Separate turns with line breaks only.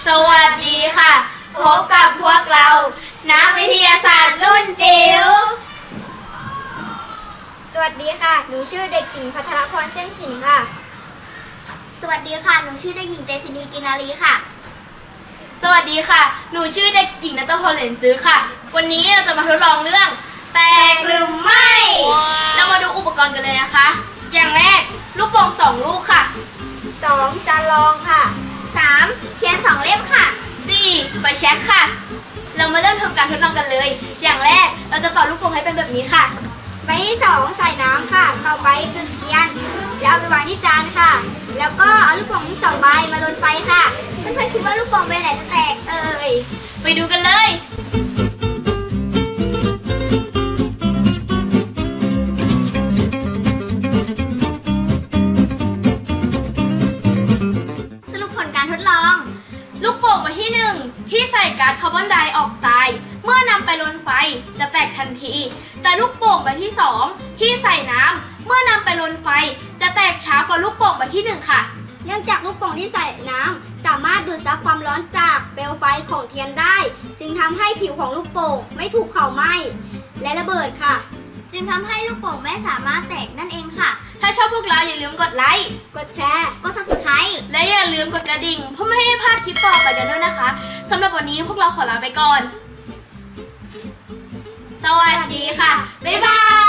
สวัสดีค่ะพบกับพวกเรานักวิทยาศาสตร์รุ่นจิ๋ว
สวัสดีค่ะหนูชื่อเด็กหญิงภัทรพรเส้นฉินค่ะ
สวัสดีค่ะหนูชื่อเด็กหญิงเตชินีกินารีค่ะ
สวัสดีค่ะหนูชื่อเด็กหญิงณัฐพลเหรนจื้อค่ะวันนี้เราจะมาทดลองเรื่องแตกหรือไม่เรามาดูอุปกรณ์กันเลยนะคะอย่างแรกลูกโป่ง2ลูกค่ะ
2จานรองค่ะ
3เทียน2เล่มค่ะ
4ไฟแช็กค่ะเรามาเริ่มทำการทดลองกันเลยอย่างแรกเราจะเป่าลูกโป่งให้เป็นแบบนี้ค่ะ
ใบที่2ใส่น้ำค่ะต่อไปจุดเทียนแล้วเอาไปวางที่จานค่ะแล้วก็เอาลูกโป่งทั้ง2ใบมาลนไฟค่ะ
เพื่อนๆคิดว่าลูกโป่งใบไหนจะแตก
ไปดูกันเลย
สรุปผลการทดลอง
ลูกโป่งใบที่1ที่ใส่ก๊าซคาร์บอนไดออกไซด์เมื่อนำไปลนไฟจะแตกทันทีแต่ลูกโป่งใบที่2ที่ใส่น้ำเมื่อนำไปลนไฟจะแตกช้ากว่าลูกโป่งใบที่1ค่ะ
เนื่องจากลูกโป่งที่ใส่น้ำสามารถดูดซับความร้อนจากเปลวไฟของเทียนได้จึงทำให้ผิวของลูกโป่งไม่ถูกเผาไหม้และระเบิดค่ะ
จึงทำให้ลูกโป่งไม่สามารถแตกนั่นเองค่ะ
ถ้าชอบพวกเราอย่าลืมกดไลค์
กดแชร์
กด Subscribe
และอย่าลืมกดกระดิ่งเพื่อไม่ให้พลาดคลิปต่อไปกันด้วยนะคะสำหรับวันนี้พวกเราขอลาไปก่อนสวัสดีค่ะบ๊ายบาย